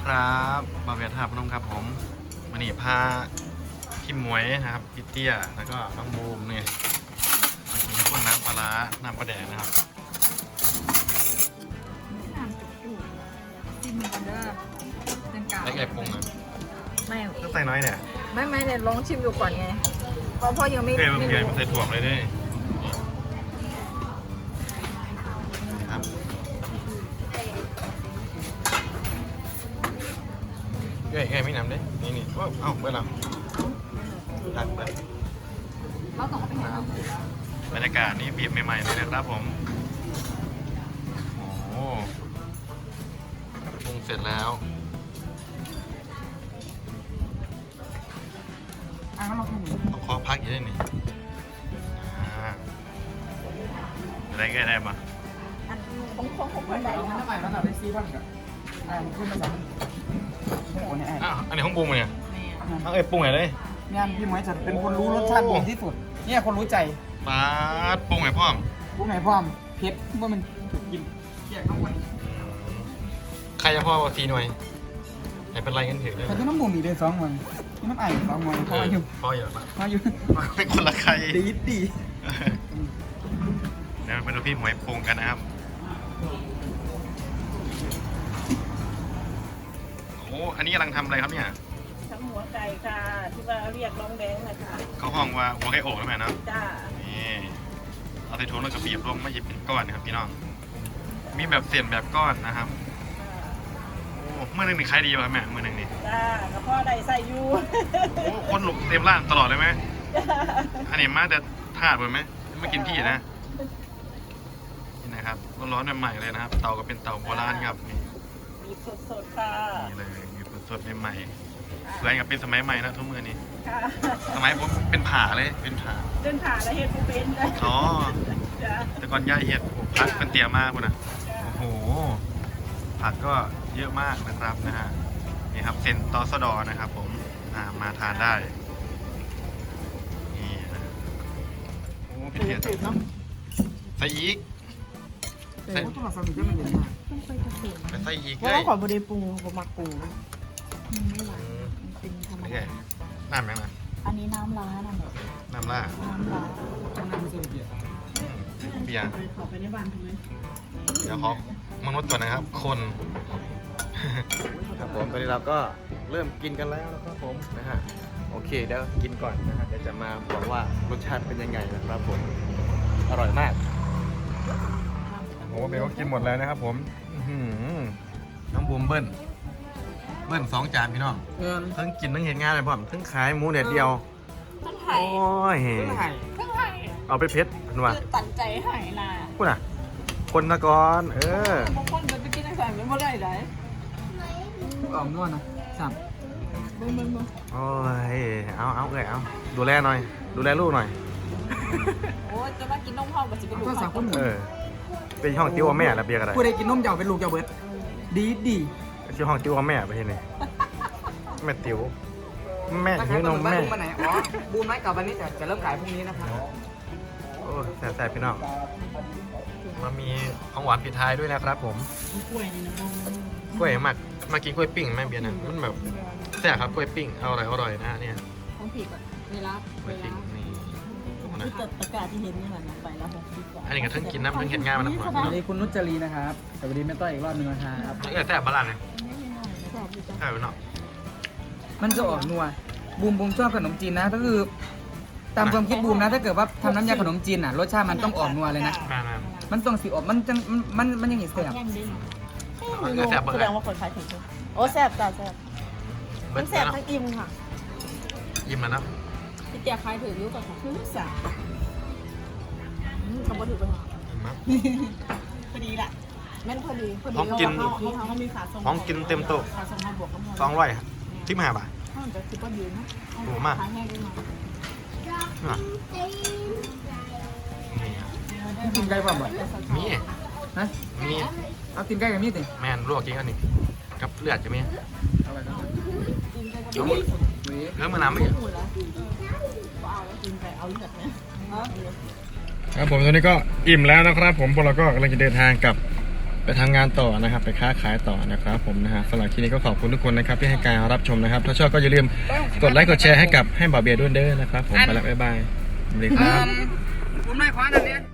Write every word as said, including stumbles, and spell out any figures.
ครับบาเวียท่าพนมครับผมวันนี้พาพี่หมวยนะครับพี่เตี้ยแล้วก็น้องบูมเนี่ยมากินพวกน้ำปลาร้าน้ำปลาแดงนะครับน้ำจุกจุกจิ้มกันเด้อเป็นกาวไอ้ไก่ปรุงอ่ะไม่ก็ใส่น้อยเนี่ยไม่ไม่เนี่ยลองชิมดูก่อนไงเพราะพ่อยังไม่เกลือไม่เกลือรู้มาใส่ถั่วเลยด้วยครับเกลือเกลือไม่น้ำด้วยนี่นี่ว้าวเอ้าเมื่อไหร่ตักไปเราต้องเอาไปไหนครับบรรยากาศนี่บีบใหม่ๆเลยนะครับผมโอ้ปรุงเสร็จแล้วอ่ะงั้นเราทำอย่างนี้ต้องขอพักอยู่ด้วยนี่อ่าได้ก็ได้มาอันของของของคนไหนเอานะน้ำใหม่แล้วเราได้ซีบ้างกับอ่าขึ้นมาสองโอ้เนี่ยอ้าวอันนี้ห้องปรุงเนี่ยแม่เอาเอ้ยปรุงไหนเลยงานพี่หมวยจะเป็นคนรู้รสชาติดีที่สุดเนี่ยคนรู้ใจปาดปรุงไหนพ่อมผู้ไหนพร้อมเผ็ดว่ามันถูกกินเกี่ยงน้ำมันใครจะพ่อทีหน่อยไหนเป็นไรกันถือเลยแต่ที่น้ำบุ๋มอีกเดือนสองวันที่น้ำไอ้สองวันเอพอออยู่พ่อเยอะมากพออยู่เป็นคนละใครดีดีเดี๋ยวมาดูพี่หมวยปรุงกันนะครับโอ้อันนี้กำลังทำอะไรครับเนี่ยทั้งหัวไก่ค่ะที่ว่าเรียกน้องแดงนะคะเขาห้องว่าหัวไก่โอกใช่ไหมเนาะจ้านี่เอาใส่ถุงแล้วก็บีบลงไม่หยิบเป็นก้อนนะครับพี่น้องมีแบบเสียนแบบก้อนนะครับโอ้เมื่อหนึงนี่ขายดีป่ะแม่เมื่อหนึงนี่จ้ากระเพาะได้ใส่อยูโอ้คนหลงเต็มร้านตลอดเลยไหมอันนี้มาแต่ทาดเลยไหมไม่กินพี่นะนี่นะครับร้อนๆใหม่ๆเลยนะครับ เตาก็เป็นเตาโบราณครับนี่มีสดๆค่ะนี่เลยอยู่สดๆใหม่ๆเพื่อนกับเป็นสมัยใหม่นะทุกมือนี้ค่ะสมัยผมเป็นผ่าเลยเป็นผ่าเดินผ่านแล้วเห็นผู้เป็นเลยอ๋อจ้าแต่ก่อนย่าเห็ดโอ้พักเป็นเตี่ยมากคุณนะโอ้โหผักก็เยอะมากนะครับนะฮะนี่ครับเส้นตอสดอนะครับ ผมอ่ามาทานได้นี่นะโอ้พี่เทียนใส่อีกใส่โอ้ต้องมาสมิธจะมันเย็นมากต้องไปเกษตรไปใส่อีกเพเลราะยว่าขอบริปูผมมักปูมันไม่หวานมันเป็นธรรมโอเคดาน้ำยังนะอันนี้น้ำร้านอ่ะหมดน้ำล่าน้ำร้านต้องนั่งสมิธเดียวเบียร์ไปขอไปในบ้านทำไมเดี๋ยวขอมนุษย์ก่อนนะครับ คน ครับผมตอนนี้เราก็เริ่มกินกันแล้วนะครับผมนะฮะโอเคเดี๋ยวกินก่อนนะฮะเดี๋ยวจะมาบอกว่ารสชาติเป็นยังไงนะครับผมอร่อยมากโอ้โหเบลกินหมดแล้วนะครับผมอื้อหือน้องบูมเบิ้ลเบิ้ลสองจานพี่น้องเงินทั้งกินทั้งเห็นงานเลยผมทั้งขายหมูเด็ดเดียวต้องไห่โอ้ยไม่ให้ต้องไห่เอาไปเพชรเป็นว่าคือตัดใจไห่น่ะพูดอ่ะคนตะกอนเออบางคนจะไปกินอาหารไม่ได้ไหนออกนวดนะสับเบิ่งเบิ่งเบิ่งโอ้ยเอาเอาเลยเอาดูแลหน่อย ดูแลลูกหน่อยโอ้ยจะมากินนมพ่อกับจะเป็นลูกก็สับคนหนึ่งเออเป็นห้องติ้วกับแม่ระเบียงอะไรผู้ใดกินนมเจ้าเป็นลูกเจ้าเบิร์ดดีดีชื่อห้องติ้วกับแม่ไปที่ไหนแม่ติ้วแม่ถ้าใครหิวนกำหนมดว่าแม่ลูกมาไหนอ๋อบูมไม้กับวันนี้จะจะเริ่มขายพรุ่งนี้นะครับโอ้แสบๆพี่น้องมามีของหวานปิดท้ายด้วยนะครับผมกล้วยนี่นะกล้วยหมักมากินกล้วยปิ้งแม่เบียร์นะมันแบบแซ่บครับกล้วยปิ้งอร่อยอร่อยนะเนี่ยของผีก่อนเวลากล้วยปิ้งนี่นะคือตะกร้าที่เห็นนี่แหละนะไปแล้วหกสิบกว่าอันนี้ก็ทั้งกินน้ำทั้งเห็นงานมันน้ำหวานสวัสดีคุณนุชจรีนะครับสวัสดีแม่ต้อยอีกรอบหนึงนะครับเออแซ่บบ้านเลยแซ่บอยู่จ้ะแซ่บไปเนาะมันจะออกนัวบูมบูมชอบขนมจีนนะก็คือ ตามความคิดบูมนะถ้าเกิดว่าทำน้ำยาขนมจีนอ่ะรสชาติมันต้องออกนัวเลยนะมามามันต้องสีออกมันจังมันมันยังไงแซ่บแย่งดิเอาเออแซ่บเบอแสร์ดงว่าคนขายถึงโอ้แซ่บจ้าแซ่บเบิมัร์นดแซ่บแล้วทั้งอิ่มค่ะยิ้มแล้วนะพี่เตียคล้ายถือยุก่อนค่ะคือสาคำว่าถือไปหายิ้มมากพอดีแหละแม่นพอดีพอดีของกินเขาเขาเขามีขาทรงของกินเต็มโต๊ะขาทรงมาบวกกับสองร้อยที่มาบ่าถ้ามันจะคิดว่ายืนนะโหมากขายแห้งได้มาน่ะนี่กินไก่ป่ะบ่มีฮะมีเอากินไก่กับมีดดิแมนลวกกินกันนี่กับเลือดจะมีอะไรนะเออมือน้ำไม่หมดแล้วเอาแล้วกินไปเอาเลือดนะครับผมตอนนี้ก็อิ่มแล้วนะครับ ผมพวกเราก็กำลังจะเดินทางกลับไปทำงานต่อนะครับ ไปค้าขายต่อนะครับผมนะฮะสำหรับที่นี้ก็ขอบคุณทุกคนนะครับที่ให้การรับชมนะครับ ถ้าชอบก็อย่าลืมกดไลค์กดแชร์ให้กับให้บ่าวเบียร์ด้วยเด้อนะครับผมไปแล้วบ๊ายบายสวัสดีครับผมนายขวานอันเนี้ย